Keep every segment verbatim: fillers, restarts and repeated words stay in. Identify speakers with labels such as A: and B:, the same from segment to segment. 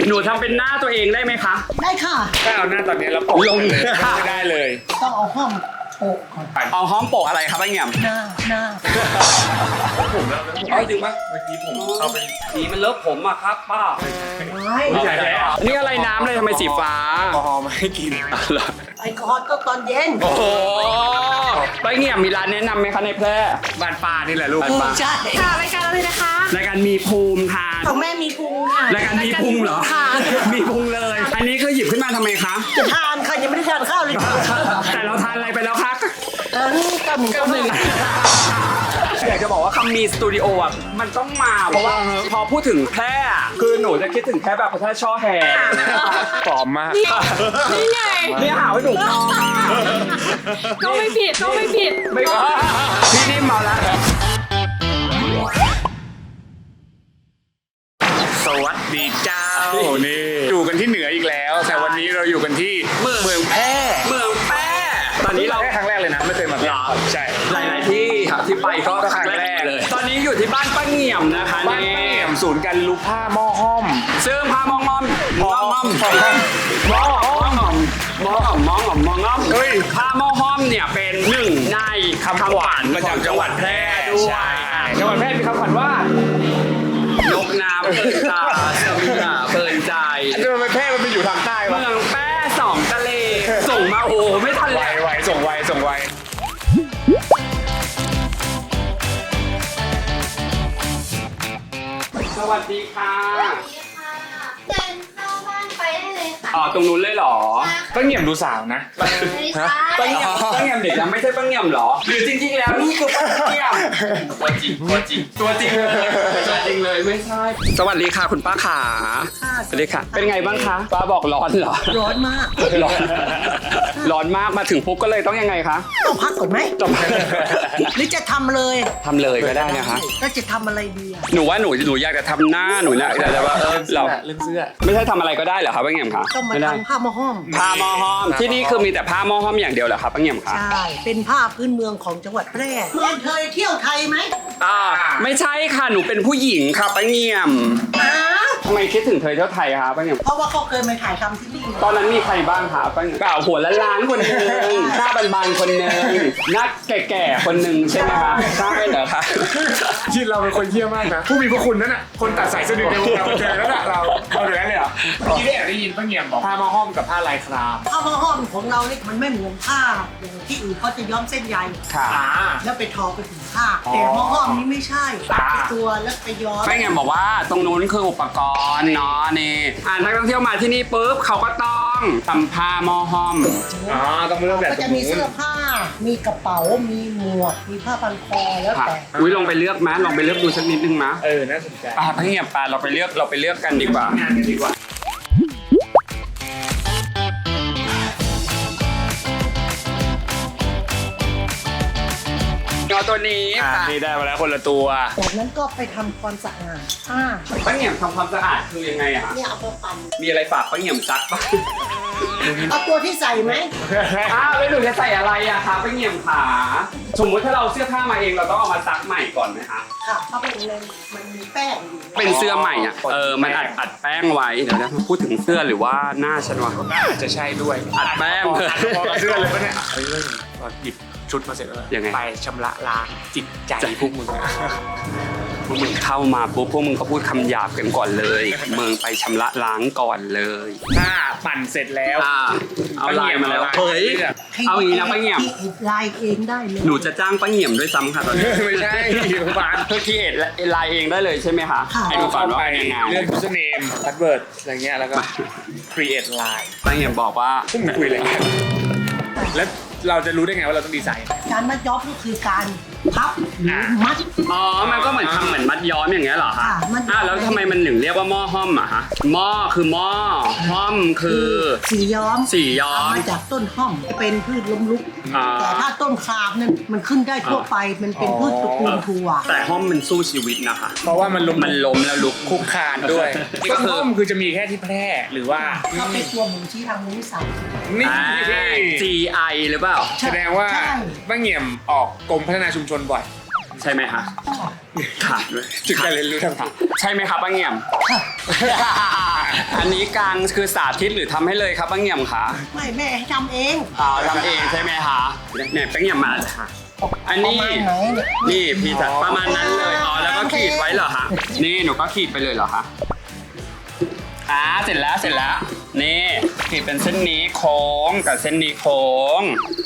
A: หนูทำเป็นหน้าตัวเองได้ไหมคะ
B: ได้ค่ะ
C: ถ้าเอาหน้าตอนนี้แล้วปกลงเลยไม่ได้เลย
B: ต้องเอาห้องโปะก่อน
A: เอาห้องโปะอะไรครับไอ้เงี่ยม
B: หน้าหน้า
C: ผมแล้วเอาจริงปะเมื่อกี้ผมเอาไป
A: สีมันเลอะผมอะครับป้า
C: ไม่ใช่แล้ว
A: นี่อะไรน้ำเลยทำไมสีฟ้า
C: แอลกอฮอล์มาให้กิน
B: ไอ้กอดก็ตอนเย็น
A: โอ้โหไอ้เงี่ยมมีร้านแนะนำไหมคะในแพร่
C: บ้านป้านี่แหละลูก
B: ใช่
D: ค่ะรายการอะไรนะคะ
A: รายการมีภูมิทาน
D: ของแม่มีพุงค่ะ
A: รายการมีพุงเหรอมีพุงเลยอันนี้คือหยิบขึ้นมาทำไมคะ
B: จะทานค่ะยังไม่ได้ทานข้าวเลยค่ะ
A: แต่เราทานอะไรไปแล้วคะ
B: เออก็หนึ่งก็หนึ่ง
A: อยากจะบอกว่าคำมีสตูดิโออ่ะมันต้องมาเพราะว่าพอพูดถึงแพร่คือหนูจะคิดถึงแค่แบบพระธาตุช่อแฮ
C: ปลอมมาก
D: นี่ไง
A: นี่หาว่าหนู
D: ก็ไม่ผิดก็ไม่ผิด
A: ไม่พี่นิ่มมาแล้ว
C: สวัสดีเจ้านี่อยู่กันที่เหนืออีกแล้วแต่วันนี้เราอยู่กันที่เมืองแพร่
A: เมืองแพร่ตอนนี้เรา
C: แค่ครั้งแรกเลยนะไม่เคยมาแพร่ใช่
A: หลายๆที่ครับที่ไปก็ครั้งแรกเลยตอนนี้อยู่ที่บ้านป้าเงี่ยมนะคะ
C: บ้านป้าเงี่ยมศูนย์การรู้ผ้าหม้อห้อม
A: ซึ่งผ้าหม้อห้อมหม้อห้อมหม้อห้อมหม้อห้อมหม้อห้อมหม้อห้อมเฮ้ยผ้าหม้อห้อมเนี่ยเป็นหนึ่งในคำขวัญประจำจังหวัดแพร่ด้วย
C: จังหวัดแพร่มีคำขวัญว่
A: านกน้ำเพลินตาสมิงาเพลินใจ
C: อันนี้มันแพร่มันไปอยู่ทางใต้
A: เมืองแพร่สองทะเลส่งมาโอ้ไม่ทันเลย
C: ไวส่งไวส่งไว
A: สวัสดีค่ะ
E: สวัสดีค่ะเดินเข้าบ้านไปได้เลยค่ะ
A: อ๋อตรงนู้นเลยเหรอ
C: ป้าเงี่ยมดูสาวนะ
A: ป้าเงี่ยมป้าเงี่ยมเด็กนะไม่ใช่ป้าเงี่ยมหรอหรือจริงๆแล้วนี่คือป้าเงี่ยมตัวจริงตัวจริงตัวจริงเลยตัวจริงเลยไม่ใช่สวัสดีค่ะคุณป้าขาสวัสดีค่ะเป็นไงบ้างคะป้าบอกร้อนเหรอ
B: ร้อนมาก
A: ร้อนร้อนมากมาถึงปุ๊บก็เลยต้องยังไงคะ
B: ต้องพักก่อนไหม
A: จบ
B: หรือจะทำเลย
A: ทำเลยก็ได้นะคะ
B: แล้วจะทำอะไรดี
A: หนูว่าหนูหนูอยากจะทำหน้าหนูนะแต่ว่าเรา
C: เรื่องเสื้อ
A: ไม่ใช่ทำอะไรก็ได้เหรอครับป้าเงี่ยมคะ
B: ต้องมาทำผ้าหม้อห้อม
A: ผ้าหม้อห้อมที่นี่คือมีแต่ผ้าหม้อห้อมอย่างเดียวเหรอครับป้าเงี่ยมคะ
B: ใช่เป็นผ้าพื้นเมืองของจังหวัดแพร่เมืองเคยเที่ยวไทยไหม
A: อ่าไม่ใช่ค่ะหนูเป็นผู้หญิงค่ะป้าเงี่ยมทำไมคิดถึงเธอเที่ยวไทยคะป้าเงี่ยม
B: เพราะว่าเขาเคยมาถ่ายทำที่นี่
A: ตอนนั้นมีใครบ้างคะป้าเงี่ยมเปล่าหัวล้านๆคนนึงหน้าบานๆคนนึงหน้าแก่ๆคนนึงใช่ไหมคะใช่เหรอคะ
C: ที่เราเป็นคนเยี่ยมมากนะผู้มีพระคุณนั่นน่ะคนตัดสายสะดือในวงการบันเทิงนั่นแหละเราเราอย่างนั้นเลยเหรอที่ได้ได้ยินป้าเงี่ยมบอกผ้าหม้อห้อมกับผ้าลายคราม
B: ผ้าหม้อห้อมของเราเนี่ยมันไม่เหมือนผ้าอย่างที่อื่นเขาจะย้อมเส้นใยแล้วไปทอไปถึงผ้าแต่หม้อห้อมนี่ไม่ใช่ตัดตัวแล้วไปย้อม
A: ป้าเงี่ยมบอกว่าตรงนู้นคืออุปกรณ์เนาะนี่อ่านนักท่องเที่ยวมาที่นี่ปุ๊บเขาก็ต้องทำผ้าหม้อห้อม
C: อ๋อต้องเริ่มแบบ
B: ก็จะมีเสื้อผ้ามีกระเป๋ามีหมวกมีผ้าพันคอแล้วแต่
A: อุ้ยลองไปเลือกมั้ยลองไปเลือกดูสักนิดนึงมั้ย
C: เออน่าสนใจ
A: ป้าป้าเงี่ยมป้าเราไปเลือกเราไปเลือกกันดีกว่างานกันดีกว่าตัวนี้
C: นี่ได้มาแล้วคนละตัว
B: จากนั้นก็ไปทำความสะอาดผ้า
A: ป้าเงี่ยมทำความสะอาดคือยังไงอะ
B: เนี่ยเอาไปปั่น
A: มีอะไรฝากป้าเงี่ยมซักป่ะ
B: เอาตัวที่ใส่ไหม
A: อ้าวแล้วหนูจะใส่อะไรอะคะป้าเงี่ยมขาสมมติถ้าเราเสื้อผ้ามาเองเราต้องเอามาซักใหม่ก่อนไหมคะ
B: ค่ะเพราะเป็นเลยมันมีแป้งอยู่
A: เป็นเสื้อใหม่อะเออมันอัดอัดแป้งไว้เดี๋ยวนะพูดถึงเสื้อหรือว่าหน้าฉันวะ
C: อาจจะใช่ด้วย
A: อัดแป้ง
C: พอกับเสื้อเลยปะเนี่ยเฮ้ยหยิบชุดมาเสร็จแล้วไปชำระล้างจิตใจพวกมึง
A: พวกมึงเข้ามาปุ๊บพวกมึงก็พูดคำหยาบกันก่อนเลยเมืองไปชำระล้างก่อนเลย
C: ถ้าปั่นเสร็จแล้ว
A: เอาลายมาแล้วเฮ้ยเอาอย่างนี้นะป้าเงี่ยม
B: ลายเองได้เลย
A: หนูจะจ้างป้าเงี่ยมด้วยซ้ำค่ะตอนนี้
C: ไม่ใช่บ้าน
A: เพื่อคิดลายเองได้เลยใช่ไหมคะ
B: ให้
A: หนูฝันว่ายังไง
C: เรื่อง username password อะไรเงี้ยแล้วก็ create line
A: ป้าเงี่ยมบอกว่า
C: พวกมึงคุยอะไรกันแล้วเราจะรู้ได้ไงว่าเราต้องดีไซน์
B: การมัดย้อมก็คือการพับหรือมัด
A: อ๋อมันก็เหมือนทำเหมือนมัดย้อมอย่างเงี้ยเหรอคะอ่าแล้วทำไมมันถึงเรียกว่าหม้อห้อมอะคะหม้อคือหม้อห้อมคือ
B: สีย้อม
A: สีย้อม
B: มาจากต้นห้อมเป็นพืชล้มลุกแต่ถ้าต้นครามนั้นมันขึ้นได้ทั่วไปมันเป็นพืชตระกูลถั่ว
A: แต่ห้อมมันสู้ชีวิตนะคะ
C: เพราะว่ามันล้ม
A: มันล้มแล้วลุก
C: คุกคานด้วยต้นห้อมคือจะมีแค่ที่แพร่หรือว่า
B: ถ้าเป็นตัวหมูชี้ทางนู้นใส่
C: นี่
A: จี ไอ หรือเปล่า
C: แสดงว่าป้าเงี่ยมออกกรมพัฒนาชุมชนบ่อย
A: ใช่ไหมคะค่ะด้วย
C: จุดการเรียนรู้ทาง
A: ค่ะใช่ไหมครับป้าเงี่ยม อันนี้กลางคือสาธิตหรือทำให้เลยครับป้าเงี่ยมคะ
B: ไม่แม่ให้ทำเอง
A: อ่าทำเองใช่ไหมคะเนี่ยป้าเงี่ยมมาค่ะอันนี้
B: ประมาณไหนเนี่ย
A: นี่พี่จัดประมาณนั้นเลยอ๋อแล้วก็ขีดไว้เหรอคะนี่หนูก็ขีดไปเลยเหรอคะอ่าเสร็จแล้วเสร็จแล้วนี่ขีดเป็นเส้นนี้โค้งกับเส้นนี้โค้ง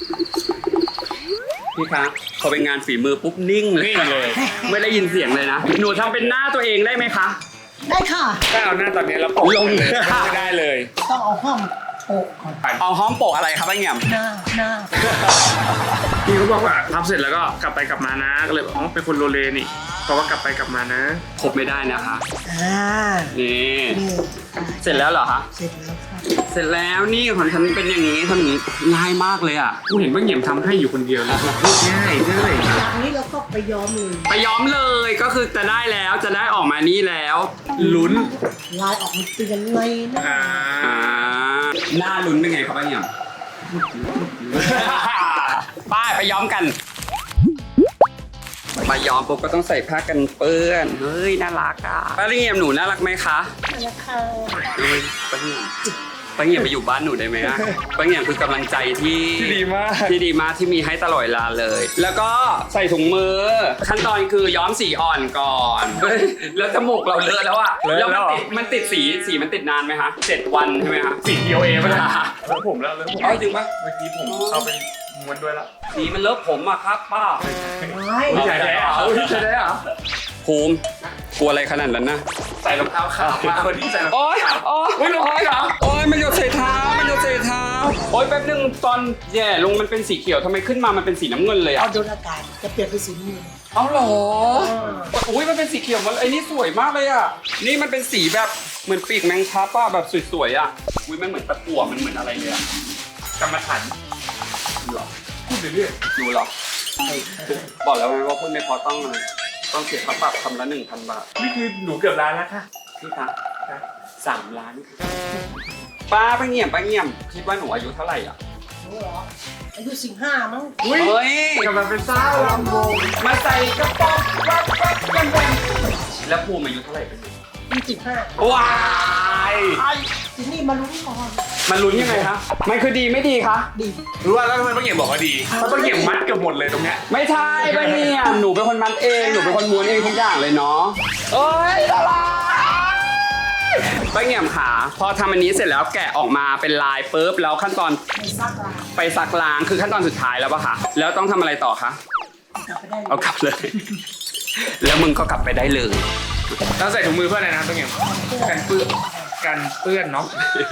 A: พี่คะพอเป็นงานฝีมือปุ๊บนิ่งเลย
C: นี่เลย
A: ไม่ได้ยินเสียงเลยนะหนูทำเป็นหน้าตัวเองได้ไหมคะ
B: ได้ค่ะ
C: ถ้าเอาหน้าตอนนี้แล้วปก
A: ลง
C: เลยไม่ได้เลย
B: ต้องเอาห้องโปะก่อน
A: เอาห้องโปะอะไรครับป้าเงี่ยม
B: หน้าหน้า
C: พี่เขาบอกว่าทำเสร็จแล้วก็กลับไปกลับมานะก็เลยบอกอ๋อเป็นคนโลเลนี่เพราะว่ากลับไปกลับมานะ
A: ครบไม่ได้นะคะ
B: อ่า
A: นี่
B: นี่
A: เสร็จแล้วเหรอคะ
B: เสร็จแล้วค่ะ
A: เสร็จแล้วนี่ของฉันเป็นอย่างนี้ทำอย่างนี้ง่ายมากเลยอ่ะ
C: กูเห็นว่าเหงี่ยมทำให้อยู่คนเดียวเลยง่ายง่าย
B: จากนี้เราก็ไปย้อมเลย
A: ไปย้อมเลยก็คือจะได้แล้วจะได้ออกมานี่แล้ว
C: ลุ้น
B: ลายออกมาเป็นยังไงนะ
C: อ่า
A: อ่าหน้าลุ้นเป็นไงครับป้าเงี่ยม ป้ายไปย้อมกันมาย้อมปุ๊บก็ต้องใส่ผ้ากันเปื้อนเฮ้ยน่ารักอ่ะป้าเงี่ยมหนูน่ารักไหมคะ
B: นั่นแหละค่ะ
A: เฮ้ยป้าเงี่ยมป้าเงี่ยมไปอยู่บ้านหนูได้ไหมอะป้าเงี่ยมคือกำลังใจที่
C: ที่ดีมาก
A: ที่ดีมากที่มีให้ตลอดเวลาเลย แล้วก็ใส่ถุงมือ ขั้นตอนคือย้อมสีอ่อนก่อนเฮ้ยแล้วจมูกเราเลอะแล้วอะ
C: เลอะ
A: แล้ว
C: แล้
A: มัน
C: วเหรอ
A: ติดมันติดสีสีมันติดนานไหมคะเจ็ดวันใช่ไหมคะ
C: สีเดียวเองป่ะเนี่ยแล้วผมแล้วแล้วผม
A: เอ้ยจริงปะ
C: เมื่อกี้ผมเอาไปม้วนด้วยแล้ว
A: สีมันเลอะผมอะครับป้า
B: ไม่
C: ใช่ได้เหรอใช่ได้เหรอ
A: ภูมิกลัวอะไรขนาดนั้นนะ
C: ใส่รองเท้าขาวมาคนที่ใส่รองเท้า
A: โอ๊ยโอ๊ย
C: อุ๊ยลงไปเหรอ
A: โอ๊ยมันหยดใส่เท้ามันหยดใส่เท้าโอ๊ยแป๊บนึงตอนแย่ลงมันเป็นสีเขียวทำไมขึ้นมามันเป็นสีน้ำเงินเลย
B: เอา
A: อะ
B: โดนอากาศจะเปลี่ยนเป็นสีนี้
A: เอาเหรออุ้ยมันเป็นสีเขียวมันไอ้นี่สวยมากเลยอะนี่มันเป็นสีแบบเหมือนปีกแมงทับอะแบบสวยๆอะอุ้ยมันเหมือนตะกั่วมันเหมือนอะไรเลยอะ
C: กรรมฐาน
A: หรอ
C: พูดเรื่อย
A: ดูหรอบอกแล้วไงว่าพูดไม่พอต้องอะไรต้องเสียค่าปรับคำละหนึ่งพันบาท
C: ๆนี่คือหนูเกือบล้านแล้วค่ะ
A: พี่คะสามล้านป้าป้าเงี่ยมป้าเงี่ยมคิดว่าหนูอายุเท่าไหร่อ่ะ
B: รู้เหรออายุสิบห้ามั้ง
C: อุ้ย
A: เฮ้ย
C: กำลังเป็นสาวลำวง
A: มาใส่กระป๋องวับวับกันกันแล้วภูมิอายุเท่าไหร่เป็น
B: อายุสิบห้า
A: ว้าย
B: ไอ้ทีนี่มาลุ้นก่อน
A: มันลุ้นยังไงคะมันคือดีไม่ดีคะ
B: ดี
C: รู้ว่าแล้วทำไมป้าเหงี่ยมบอกว่าดีเพราะป้าเหงี่ยมมัดเกือบหมดเลยตรงเนี้ย
A: ไม่ใช่ป้าเงี่ยมหนูเป็นคนมัดเองหนูเป็นคนม้วนเองทุกอย่างเลยเนาะเอ้ยละลายป้าเงี่ยมขาพอทำอันนี้เสร็จแล้วแกะออกมาเป็นลายปุ๊บแล้วขั้นตอน
B: ในซักลา
A: ไปซักล้างคือขั้นตอนสุดท้ายแล้วป่ะคะแล้วต้องทำอะไรต่อคะ
B: กลับไปได้
A: เอากลับเลย แล้วมึงก็กลับไปได้เลย
C: ต้องใส่ถุงมือเพื่ออะไรนะป้าเหงี่ยมกันเปื้อนกันเปื้อนเนาะ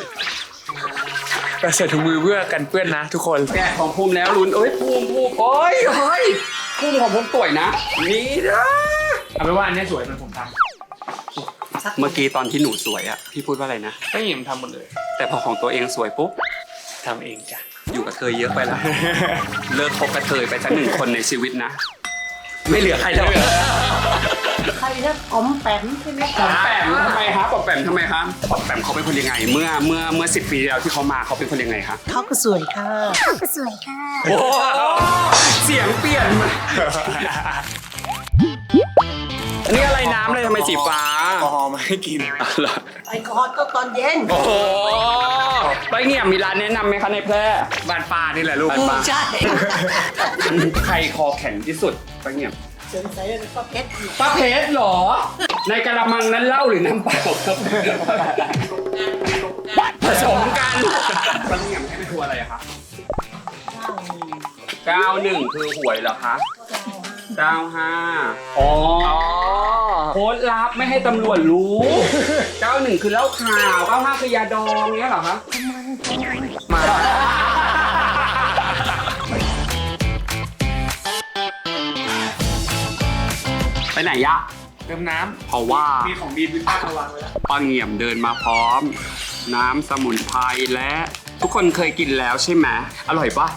C: แต่ใส่ถุงมือเพื่อกันเปื้อนนะทุกคน
A: แกะของภูมิแล้วลุ้นเอ้ยภูมิภูมิโอ้ยเฮ้ยภูมิของภูมิสวยนะ นี่นะ
C: เอาไปนว่าอันเนี้ยสวยเหมือนผมท
A: เมื่อกี้ตอนที่หนูสวยอะพี่พูดว่าอะไรนะ
C: ำป้าเหงี่ยมทำหมดเลย
A: แต่พอของตัวเองสวยปุ๊บ
C: ทำเองจ้ะ
A: อยู่กับเธอเยอะไปแล้ว เลิกคบกับเธอไปสักหนึ่งคนในชีวิตนะ ไม่เหลือใครแล้ว
B: ใครนะอ๋อมแปมใช่ไหม
A: ปอมแปมทำไมคะปอมแปมทำไมคะปอมแปมเขาเป็นคนยังไง เมื่อเมื่อเมื่อสิบปีที่แล้วที่เขามาเขาเป็นคนยังไงคะ
B: เขาก็สวยค่ะ
A: โอ้เสียงเปลี่ยนมาอันนี้อะไรน้ำเลยทำไมสีฟ้า
C: แอลกอฮอล์มาให้กิน
A: อ๋อเหรอ
B: ไอ้คอร์สก็ตอนเย็น
A: โอ้โหไปเงี่ยมมีร้านแนะนำไหมคะในแพร่
C: บ้านป้านี่แหละลูก
A: บ้านป้า
B: ใช่
A: ใครคอแข็งที่สุดไปเงี่ยม
B: เสริมใส่แล้วก็เพชรอยู่
A: ป้าเพชรเหรอ ในกระมังนั้นเหล้าหรือน้ำเปล่าครับผสมกันป้าเงี่ยมให้ไปทัวร์อะไรอะคะเก้าหนึ่งคือหวยเหรอคะเก้าห้าอ๋อโค้ดลับไม่ให้ตำรวจรู้เก้าหนึ่งคือเหล้าขาวเก้าห้าคือยาดองเงี้ยเหรอคะมา ไปไหนยะ
C: เติมน้
A: เพราะว่า
C: ำมีของดีวิต้ามาวางไว้แล้ว
A: ป้าเงี่ยมเดินมาพร้อม น้ำสมุนไพรและทุกคนเคยกินแล้วใช่ไหมอร่อยปะ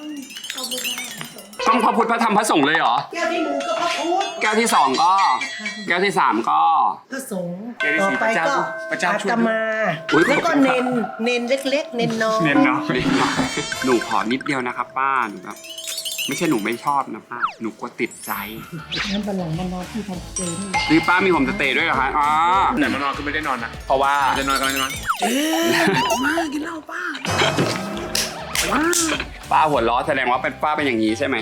A: ต้องพระพุทธพระธรรมพระสงฆ์เลยเหรอ
B: แก้วที่หนึ่งก็พระพุทธ
A: แก้วที่สองก็ แก้วที่สามก็
B: พระสงฆ์
C: แก้วที่
B: ต่อ
C: สี่
B: ไป
C: พระเจ้า
B: ก็
C: พระเจ้า
B: อา
C: ช่วย
B: ตมา
A: อุ๊ย
B: แล้วก็
A: ขอบคุณครับ
B: เนนเนนเล็กๆ เนนน้อย
C: เนียนเนาะ
A: หนูขอนิดเดียวนะครับป้าหนูแบบไม่ใช่หนูไม่ชอบนะป้าหนูกลัวติดใจ
B: งั้นบันหลังมันนอนที่ทำเจนี่
A: นี่ป้ามีโฮมสเตย์ด้วยเหรอคะอ๋อ
C: แต่มานอนคือไม่ได้นอนนะ
A: เพราะว่า
C: จะนอนกำลังจะนอน
B: มากินเหล้าป้า
A: ป้าหัวล้อแสดงว่าเป็นป้าเป็นอย่างนี้ใช่ไหม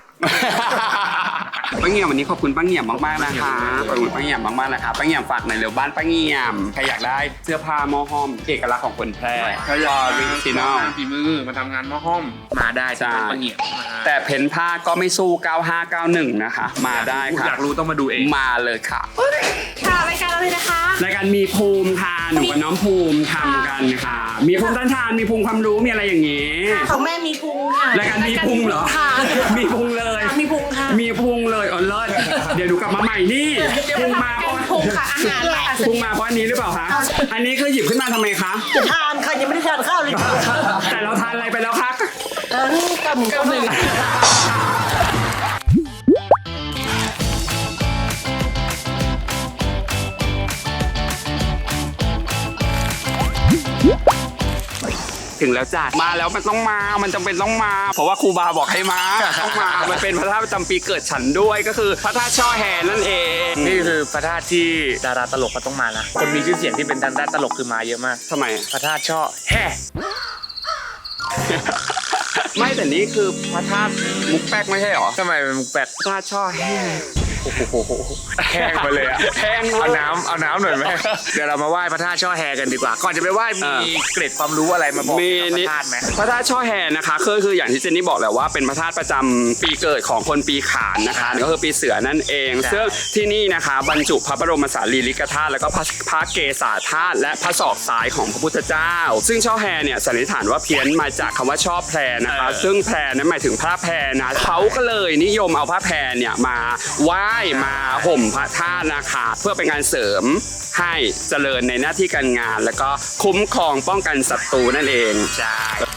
A: ป้าเงี่ยมวันนี้ขอบคุณป้าเงี่ยมมากๆนะคะขอบคุณป้าเงี่ยมมากๆนะคะป้าเงี่ยมฝากหน่อยเร็วบ้านป้าเงี่ยมใครอยากได้เสื้อผ้าหม้อห้อมเอกลักษณ์ของคนแพร่เขาอยากออริจินอล
C: งานฝีมือมาทำงานหม้อห้อมมาได้
A: ใช่
C: ที่ปะเงียบนะฮะ
A: แต่เพ้นผ้าก็ไม่สู้เก้าห้าเก้าหนึ่งนะคะ มาได้ค่ะ
C: อยากรู้ต้องมาดูเอง
A: มาเลยค่ะ
D: ค่ะรายการเราเลยนะคะ
A: รายการมีภูมิค่ะหนูกับน้องภูมิทำกันค่ะ มีภูมิต้านทานมีภูมิความรู้มีอะไรอย่างนี้
B: ของแม่มีพุงค่ะ
A: รายการมีพุงเหรอ
B: ค่ะ
A: มีพุงเลย
B: มีพุงค่ะ
A: มีพุงเลยอ๋อเลิศเดี๋ยวดูกลับมาใหม่นี่พุงมาเพราะ
D: พุงค่ะอาหารค่ะ
A: พุงมาเพราะอันนี้หรือเปล่าคะอันนี้คือหยิบขึ้นมาทำไมคะ
B: จะทานค่ะยังไม่ได้ทานข้าวเลยค่ะ
A: แต่เราทานอะไรไปแล้วคะ
B: เออนี่กำหนึ่งกำหนึ่ง
A: ถึงแล้วจ้ะมาแล้วมันต้องมามันจำเป็นต้องมา เพราะว่าครูบาบอกให้มาต้องมามันเป็นพระธาตุประจำปีเกิดฉันด้วยก็คือพระธาตุช่อแฮนั่นเอง
C: นี่คือพระธาตุที่ดาราตลกก็ต้องมานะคนมีชื่อเสียงที่เป็นทางด้านตลกคือมาเยอะมาก
A: ทำไม
C: พระธาตุช่อแฮ่
A: ไม่แต่นี่คือพระธาตุมุกแป๊กไม่ใช่หรอ
C: ทำไมเป็นมุกแปด
A: พระธาตุช่อแฮ
C: โอ้โหแห้งไปเลยอะ
A: แห้ง
C: เอาน้ำเอาน้ำหน่อยไหมเดี๋ยวเรามาไหว้พระธาตุช่อแฮกันดีกว่า ก่อนจะไปไหว้มีเกร็ดความรู้อะไรมาบอก
A: มี
C: กับพ
A: นิด
C: ระธาตุไหม
A: พระธาตุช่อแฮนะคะคือคืออย่างที่เจนนี่บอกแหละว่าเป็นพระธาตุประจำปีเกิดของคนปีขานนะคะก็คือปีเสือนั่นเอง
C: ใช่
A: ซึ่งที่นี่นะคะบรรจุพระบรมสารีริกธาตุแล้วก็พระพระเกศาธาตุและพระศอกซ้ายของพระพุทธเจ้า ซึ่งช่อแฮเนี่ยสันนิษฐานว่าเพี้ยนมาจากคำว่าช่อแพรนะคะ ซึ่งแพรนั้นหมายถึงผ้าแพรนะเขาก็เลยนิยมเอาผ้าแพรเนี่ยมาไหว้มาห่มพระธาตุนะคะเพื่อเป็นการเสริมให้เจริญในหน้าที่การงาน แล้วก็คุ้มครองป้องกันศัตรูนั่นเองใช่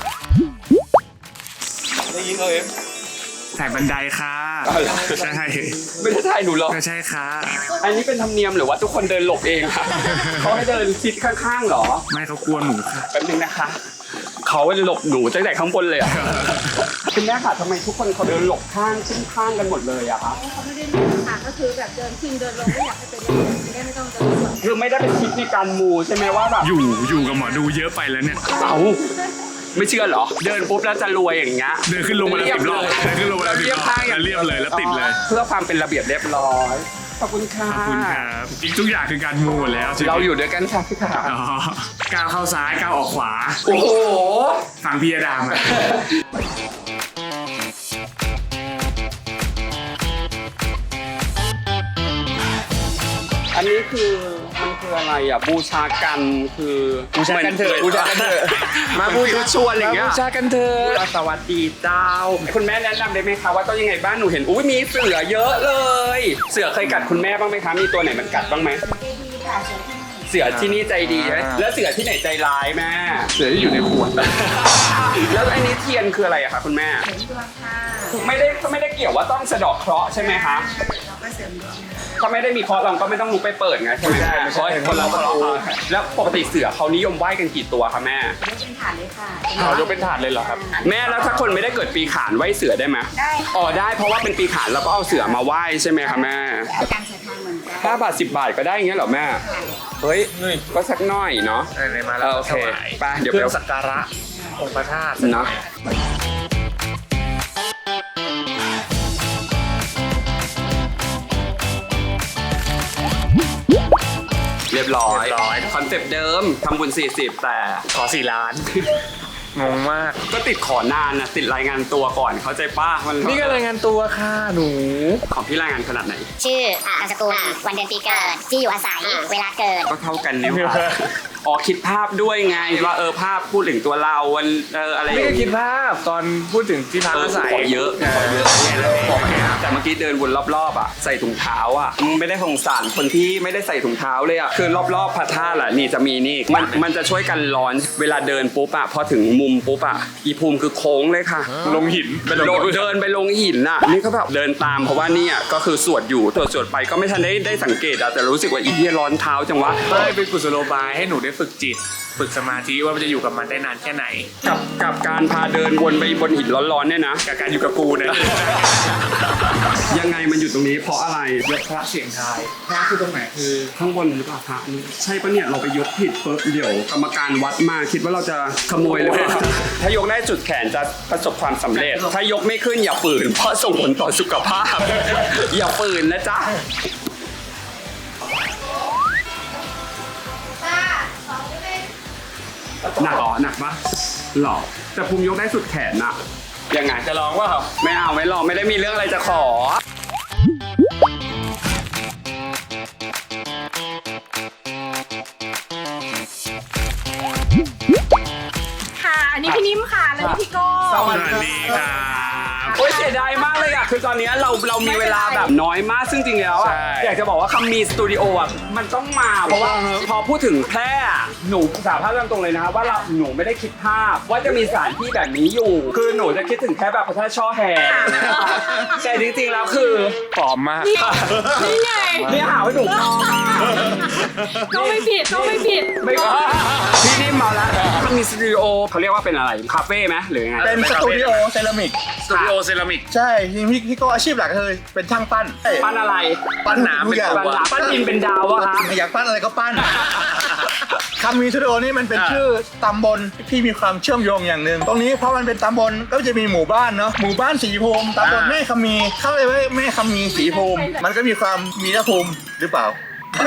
C: ถ่ายบันไดค่ะใช่
A: ไม่ได้ถ่ายหนูหรอก
C: ก็ใช่ค่ะ
A: อันนี้เป็นธรรมเนียมหรือว่าทุกคนเดินหลบเองคะเขาให้เดินชิดข้างๆเหรอ
C: ไม่เขากลัวหนูค่ะ
A: แป๊บนึงนะคะเขาจะหลบหนูตั้งแต่ข้างบนเลยอะคุณแม่ค่ะทำไมทุกคนเขาเดินหลบข้างขึ้นข้างกันหมดเลยอะคะ
D: เขาไม่ได้เล่นค่ะก็คือแบบเดินขึ้นเดินลงไม่อยากให้เป็นเล่นจะได้ไม่ต้องเดินสวน
A: คือไม่ได้เป็นคิดในการมูใช่ไหมว่าแบบ
C: อยู่อยู่กับหมอดูเยอะไปแล้วเนี่ย
A: เอาไม่เชื่อเหรอ เดินปุ๊บแล้วจะรวยอย่างเงี้ย
C: เดินขึ้นลงมาแล้วสิบรอบเดินขึ้นลงมาแล้วสิบรอบแล้วเรียบเลยแล้วติดเลย
A: เพื่อความเป็นระเบียบเรียบร้อยขอบคุณค่ะ
C: ขอบคุณครับจริงทุกอย่างคือการมูหมดแล้วใช่ไหม
A: เราอยู่ด้วยกันค่ะพี่ขา
C: อ๋อก้าวเข้าซ้ายก้าวออกขวา
A: โอ้โห
C: ฟังพี่อดามอะ
A: อันนี้คือมันคืออะไรอ่ะบูชากันคือ
C: บูชากันเถอะบูชากันเถอะ
A: มาบูชาชวนอะไรอย่างเงี้ย
C: บูชากันเถอะ
A: สวัสดีเจ้า คุณแม่แนะนำได้ไหมคะว่าต้องยังไงบ้างหนูเห็นอุ้ยมีเสือเยอะเลย เสือเคยกัดคุณแม่บ้างไหมคะมีตัวไหนมันกัดบ้างไหม
E: ดีค่ะเสือที่นี่
A: เสือที่นี่ใจดีใช่ไหมแล้วเสือที่ไหนใจร้ายแม่
C: เสือที่อยู่ในขวด
A: แล้วอันนี้เทียนคืออะไรอะคะคุณแม่
E: เสริมดวงค่ะ
A: ไม่ได้ไม่ได้เกี่ยวว่าต้องสะเดอกเคราะห์ใช่ไหมคะ
E: เราก็เสริมดวง
A: ถ้าไม่ได้มีเคราะห์เราก็ไม่ต้องลุกไปเปิดไงใช่ไหมแม่เพราะคนเราเคราะห์แล้วปกติเสือเขานิยมไหว้กันกี่ตัวคะแม่
E: ยกเป็นฐานเลยค่ะ
C: เขายกเป็นถาดเลยเหรอครับ
A: แม่แล้วถ้าคนไม่ได้เกิดปีขานไหว้เสือได้ไหม
E: ได้
A: อ๋อได้เพราะว่าเป็นปีขานเราก็เอาเสือมาไหว้ใช่ไหมคะแม่
E: อาการใส่ทางเหมือนกัน
A: ห้าบาทสิบบาทก็ได้อย่างเงี้ยเหรอแม่เฮ้ยก็สักหน่อยเนาะ
C: ไหนๆมา
A: เอ
C: แล้ว
A: อโอเค
C: ถวาย
A: ไปเดี๋ยว
C: เค
A: ไป
C: รื่องสักการะองค์พระธาตุ
A: เนาะเรียบร้อยคอนเซปต์เดิมทำบุญสี่สิบแต่
C: ขอสี่ล้าน งงมาก
A: ก็ติดขอนานนะติดรายงานตัวก่อนเข้าใจป้ามัน
C: นี่ก็รายงานตัวค่ะหนู
A: ของพี่รายงานขนาดไหน
F: ชื่อนามสกุลวันเดือนปีเกิด ที่อยู่อาศัย เวลาเกิด
A: ก็เท่ากันนี่หว่าอ๋อคิดภาพด้วยไงว่าเออภาพพูดถึงตัวเราวันเอออะไร
C: นี่ก็คิดภาพตอนพูดถึงที่พัก
A: เออ
C: อาศัย
A: ขอเยอะขอเยอะเนี่ยแล้วบอกไปนะแต่เมื่อกี้เดินวนรอบๆอ่ะใส่ถุงเท้าอ่ะมึงไม่ได้สงสารคนที่ไม่ได้ใส่ถุงเท้าเลยอ่ะคือรอบๆพระธาตุอ่ะนี่จะมีนี่มันมันจะช่วยกันร้อนเวลาเดินปุ๊บอ่ะพอถึงมุมปุ๊บอ่ะอีภูมิคือโค้งเลยค่ะ
C: ลงหินไปลง
A: โดดเดินไปลงหินน่ะนี่ก็แบบเดินตามเพราะว่าเนี่ยก็คือสวดอยู่สวดสวดไปก็ไม่ทันได้ได้สังเกตอะแต่รู้สึกว่าอีเหี้ยร้อนเท้าจังวะ
C: ไม่เป็นกุศโลบายให้หนูได้ฝึกจิต ฝึกสมาธิว่ามันจะอยู่กับมันได้นานแค่ไหน
A: กับกับการพาเดินวนไปบนหินร้อนๆเนี่ยนะ
C: กับการอยู่กับกูเนี่ย
A: ยังไงมันอยู่ตรงนี้เพราะอะไร
C: ยกพระเสียงทายพระคือตรงไหนคือ
A: ข้างบนหรือเปล่าพระนี่ใช่ปะเนี่ยเราไปยกผิดปุ๊บเดี๋ยวกรรมการวัดมาคิดว่าเราจะขโมยหรือเปล่าถ้ายกได้จุดแขนจะประสบความสำเร็จ ถ้ายกไม่ขึ้นอย่าฝืนเพราะส่งผลต่อสุขภาพ อย่าฝืนนะจ๊ะ
E: ตาสองเป็น
A: หนักเหรอหนักปะหรอแต่ภูมิยกได้สุดแขนน่ะยังไง
C: จะลองว่า
A: ไม่เอาไม่ลองไม่ได้มีเรื่องอะไรจะขอ
D: ค่ะ อันนี้พี่นิ่มค่ะ แล้วนี่พี่โก้
C: สวัสดีครับ
A: โอ้ยเสียดายมากเลยอ่ะคือตอนนี้เราเรามีเวลาแบบน้อยมากซึ่งจริงแล้วอ่ะ
C: ใช่
A: อยากจะบอกว่าคำมีสตูดิโออ่ะมันต้องมาเพราะว่าพอพูดถึงแพร่อะหนูสารภาพตรงๆเลยนะครับว่าเราหนูไม่ได้คิดภาพว่าจะมีสถานที่แบบนี้อยู่ คือหนูจะคิดถึงแค่แบบพระธาตุช่อแฮแต่จริงๆแล้วคือ
C: ปลอมมาก
D: นี่ไง
A: นี่หาว่าหนู
D: ก็ไม่ผิดก็ไม่ผิด
A: ไม่ว่าพี่นิ่มมาแล้วมันมีสตูดิโอเขาเรียกว่าเป็นอะไรคาเฟ่ไหมหรือไง
G: เป็นสตูดิโอเซรามิก
C: สตูดิโอเซรามิก
G: ใช่จริงๆพี่พี่ก็อาชีพหลักเลยเป็นช่างปั้น
A: ปั้นอะไร
G: ปั้นหนาม
C: เป็น
G: ทุกอย่าง
C: ตัว
A: ปั้นดินเป็นดาวอะคะ
G: อยากปั้นอะไรก็ปั้นคำมีสตูดิโอนี่มันเป็นชื่อตำบลที่มีความเชื่อมโยงอย่างหนึ่งตรงนี้เพราะมันเป็นตำบลก็จะมีหมู่บ้านเนาะหมู่บ้านสีภูมิตำบลแม่คำมีเข้าเลยว่าแม่คำมีสีภูมิ มันก็มีความมีนภูมิหรือเปล่า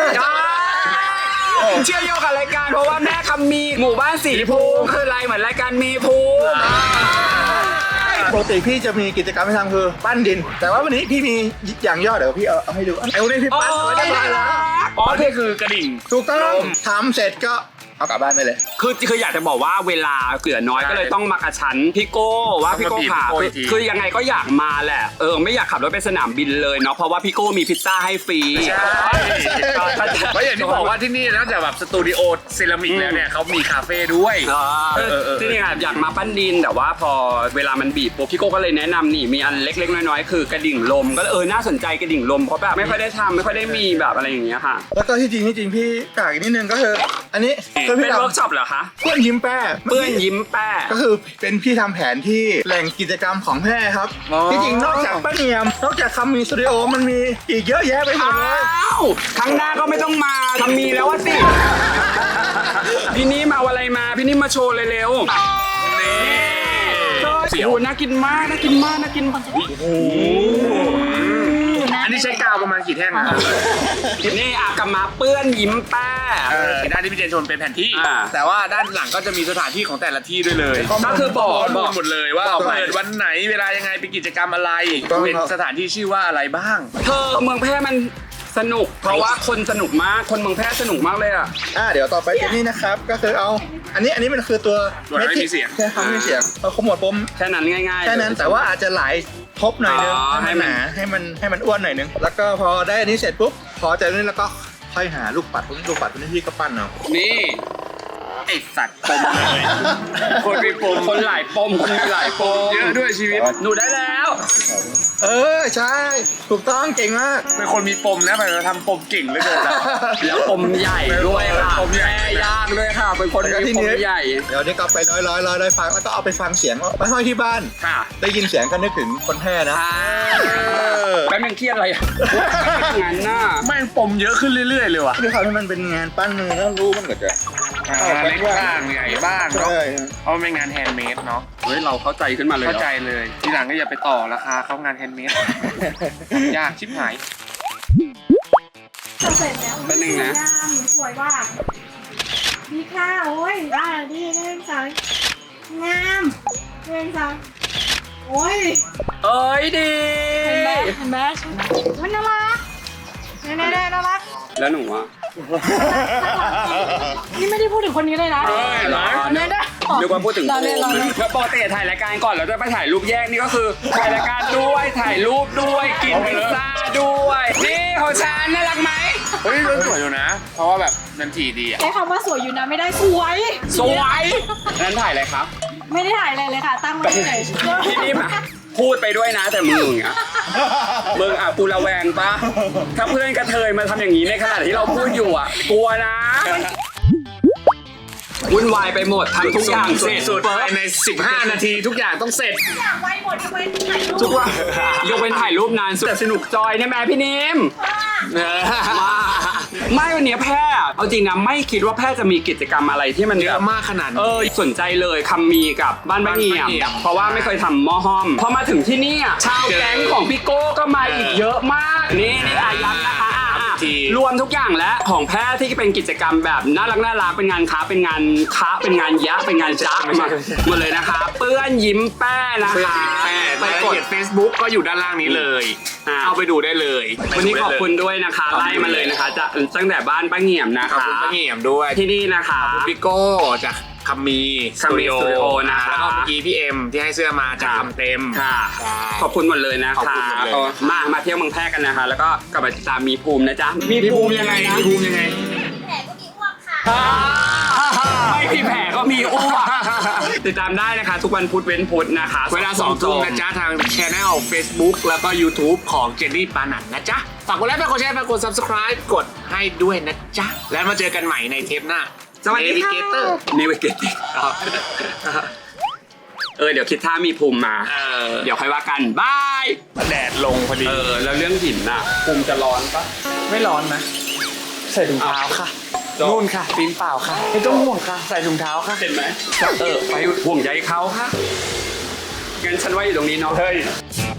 A: เชื่อโยงกับรายการเพราะว่าแม่คำมีหมู่บ้านสีภูมิคืออะไรเหมือนรายการมีภูมิ
G: ปกติพี่จะมีกิจกรรมให้ทำคือปั้นดิน แต่ว่าวันนี้พี่มีอย่างย่อเดี๋ยวพี่เอาเอาให้ดูไอ้วันนี้พี่ปั้นไว้ได้ร้อยแล้ว
C: อ๋อนี่คือกระดิ่ง
G: ถูกต้องทำเสร็จก็เอากลับบ้านไปเลย
A: คือคืออยากจะบอกว่าเวลาเกลือน้อยก็เลยต้องมากระชั้นพี่โก้ว่าพี่โก้ขาคือคือยังไงก็อยากมาแหละเออไม่อยากขับรถไปสนามบินเลยเนาะเพราะว่าพี่โก้มีพิซซ่าให้ฟรี
C: ใช่เพราะอย่างที่บอกว่าที่นี่นอกจากแบบสตูดิโอเซรามิกแล้วเนี่ยเขามีคาเฟ่ด้วย
A: เออที่นี่อยากมาปั้นดินแต่ว่าพอเวลามันบีบปุ๊บพี่โก้ก็เลยแนะนำนี่มีอันเล็กๆน้อยๆคือกระดิ่งลมก็เออน่าสนใจกระดิ่งลมเพราะแบบไม่ค่อยได้ทำไม่ค่อยได้มีแบบอะไรอย่างเงี้ยค่ะ
G: แล้วก็ที่จริงที่จริงพี่กากอีกนิดนึงก็คืออันนี้ก็
A: เป็
G: พี่
A: น
G: ทำ
A: เวิร์กช็อปเหรอคะ
G: เพื่อนยิ้มแป้
A: เปื้อนยิ้มแป้
G: ก็คือเป็นพี่ทำแผนที่แหล่งกิจกรรมของแพร่ครับ
A: อ๋อ
G: ที่จริงนอกจากป้าเนียม นอกจากคำมีสตูดิโอมันมีอีกเยอะแยะไปหมดเลย
A: อ้าวครั้งหน้าก็ไม่ต้องมาทำมีแล้วว่าสิ พี่นี่มาเอาอะไรมา พี่นี่มาโชว์เลยเร็วนี่โอ้โหน่ากินมากน่ากินมากน่ากินมาก
C: อันนี้ใช้กาวประมาณกี่แท่งนะ
A: นี่อากามาเปื้อนยิ้มแป้
C: เออด้านที่พี่เจนชนเป็นแผนที่
A: อ่า
C: แต่ว่าด้านหลังก็จะมีสถานที่ของแต่ละที่ด้วยเลย
A: ก็คือบอก
C: ข้อ
A: บ
C: มู
A: อ
C: ล
A: ก
C: หมดเลยว่าเปิดวันไหนเวลายังไงเป็นกิจกรรมอะไรเป็นสถานที่ชื่อว่าอะไรบ้าง
A: เธอเมืองแพร่มันสนุก เพราะว่าคนสนุกมาก คนเมืองแพร่สนุกมากเลยอ่ะ
G: อ่าเดี๋ยวต่อไปเป็นนี่นะครับ ก็คือเอา อันนี้อันนี้มันคือตัว
C: ตัวไม่มีเสียง
G: ใช่ครับไม่มีเสียงเอาขมวดปม
A: แค่นั้นง่ายๆ
G: แค่นั้นแต่ว่าอาจจะหลายทบหน่อยนึง
A: อ๋อ
G: ให้มันหนาให้มันให้มันอ้วนหน่อยนึงแล้วก็พอได้อันนี้เสร็จปุ๊บพอจากนี้แล้วก็ค่อยหาลูกปัดพวกนี้ลูกปัดพวกนี้พี่ก็ปั้นเอา
A: นี่
C: ไอสัตว์ปมเลย
A: คนมีปมคนหลายปมคนมีหลายปม
C: เยอะด้วยชีวิต
A: หนูได้แล้ว
G: เออใช่ถูกต้องเก่งมาก
C: เป็นคนมีปมนะแต่เราทำปมเก่งเหลยเกิน
A: แล้วปมใหญ่ด้วยค่ะ
C: ปมใหญ่
A: แม่ยากด้วยค่ะ เป็นคน
G: แล้วก็
A: มี
G: ที่
A: ป
G: นี้
A: มใหญ่
G: เดี๋ยวนี้ก็ไปร้อยร้อยร้อยร้อยฟังแล้วก็เอาไปฟังเสียงไปห้อยที่บ้าน
A: ค่ะ
G: ได้ยินเสียงก็นึกถึงคนแพร่นะ
A: อ่าแป๊บนึงเครียดอะไรอ่ะงั้นน่ะ
C: แม่งปมเยอะขึ้นเรื่อยๆเลยว่ะ
G: ด้วยความที่มันเป็นงานปั้นมือแล้วรู้มันก็จะ
C: เล็กบ้างใหญ่บ้างเนาะ
G: ใช่
C: เพราะมันเป็นงานแฮนด์เมดเนาะ
A: เฮ้ยเราเข้าใจขึ้นมาเลย
C: เข้าใจเลย ทีหลังก็อย่าไปต่อราคาเขางานแฮนด์เมด ยากชิบหาย
D: ทำเสร็จแล้ว
A: แป๊บนึงนะ
D: งามสวยว่ะดีค่ะโอ้ยอ่าดีเล่นสายงามเล่นสายโอ้ย
A: เอ้ยดี
D: เห็นไหมเห็นไหมมันน่ารักเนี่ยเนี่ยเนี่ยน่ารัก
A: แล้วหนูอ่ะ
D: นี่ไม่ได้พูดถึงคนนี้เลยนะ
C: เฮ้ยเหรอ
D: เนี่ยนะ
A: นึกว่าพูดถึง
D: เราเล่นเราเล่น
A: แล้วปกติถ่ายรายการก่อนเราจะไปถ่ายรูปแยกนี่ก็คือถ่ายรายการด้วยถ่ายรูปด้วยกินพิซซ่าด้วยนี่ของฉันน่ารักไหม
C: เฮ้ยมันสวยอยู่นะ เพราะว่าแบบนันทีดีอ่ะ
D: ใช้คำว่าสวยอยู่นะไม่ได้สวย
A: สวยนั้นถ่ายอะไรครับ
D: ไม่ได้ถ่ายอะไรเลยค่ะ ตั้งไว้เฉย
A: พี่นิ่มอะพูดไปด้วยนะแต่มึงอะมึงอะกูระแวงปะถ้าเพื่อนกระเทยมาทำอย่างนี้ในขณะที่เราพูดอยู่อะกลัวนะวุ่นวายไปหมดทำทุกอย่างเสร็จ
C: สุดๆภายในสิบห้านาทีทุกอย่างต้องเสร็จ
D: อยากไว้หมดยกเว้นถ่ายรูป
C: ทุกวัน
A: ยกเว้นถ่ายรูปนานสุดแต่สนุกจอยนะแม่พี่นิมมาไม่วันนี้แพร่เอาจริงนะไม่คิดว่าแพร่จะมีกิจกรรมอะไรที่มัน
C: เย
A: แบ
C: อะ
A: บ
C: มากขนาด
A: เอ
C: นี้
A: อสนใจเลยคำมีกับบ้านบ้านเงีย
C: บ้านบ้านเงี่ย
A: ม
C: ม
A: เพราะว่าไม่เคยทำหม้อห้อมพอมาถึงที่นี่อ่ะชาวแก๊งของพี่โก้ก็มาอีกเยอะมากนี่นี่อายัดนะคะอ่ะอ่ะ
C: ที
A: รวมทุกอย่างแล้วของแพทย์ที่เป็นกิจกรรมแบบน่ารักน่ารักเป็นงานค้าเป็นงานค้าเป็นงานยะเป็นงานจ้ามาหมดเลยนะคะ เปื้อนยิ้มแป้นะคะ
C: แปด
A: ไป
C: ราย
A: ก
C: ละ
A: ด
C: เอียด Facebook ก็อยู่ด้านล่างนี้เลย
A: อ่า
C: เอาไปดูได้เลย
A: วันนี้ขอบคุณด้วยนะคะไล่มาเลยนะคะจะตั้งแต่บ้านป้าเงี่ยมนะ
C: ขอบ
A: คะ
C: คุณป้าเงี่ยมด้วย
A: ที่นี่นะคะ
C: พี่โก้จากคัมมีสตูดิโอ
A: คัมมีสตูดิโอนะคะ
C: แล้วก็เมื่อกี้พี่เอ็มที่ให้เสื้อมาจากคำเต็ม
A: ค่ะ
C: ใช่
A: ขอบคุณหมดเลยนะ
C: ขอบ
A: คะ
C: คุณหมดเลย
A: เออมา มาเที่ยวเมืองแพร่กันนะคะ แล้วก็กลับมาติดตามมีภูมินะจ๊ะ
C: มีภูมิยังไงมีภูมิยังไง
E: แผลก็มีอ้วกค่ะ
A: อ่าไม่มีแผลก็มีอ้วกติดตามได้นะคะ ทุกวันพุธเว้นพุธนะคะ
C: เวลาสองทุ่มนะจ๊ะ ทางช anel Facebook แล้วก็ YouTube ของเจนนี่ปานันนะจ๊ะ ฝากกดไลค์ฝากกดแชร์ฝากกด Subscribe กดให้ด้วยนะจ๊ะ แล้วมาเจอกันใหม่ในเทปหน้า
A: สวัสดีค่ะ
C: Navigator
A: นิวเกตเออ เดี๋ยวคิดท่ามีภูมิมา
C: เออ
A: เดี๋ยวค่อยว่ากัน บาย
C: แดดลงพอดี
A: เออ แล้วเรื่องหินน่ะ ภูมิจะร้อนปะ
C: ไม่ร้อนนะ ใส่ถุงเท้าค่ะ
A: จบ
C: นู่นค่ะตีนเปล่าค่ะ ไม่ต้องห่วงค่ะ ใส่ถุงเท้าค่ะ
A: เห็นไหมเออ ไปห่วงใยเขาค่ะงั้นฉันว่าอยู่ตรงนี้เนาะ
C: เฮ้ย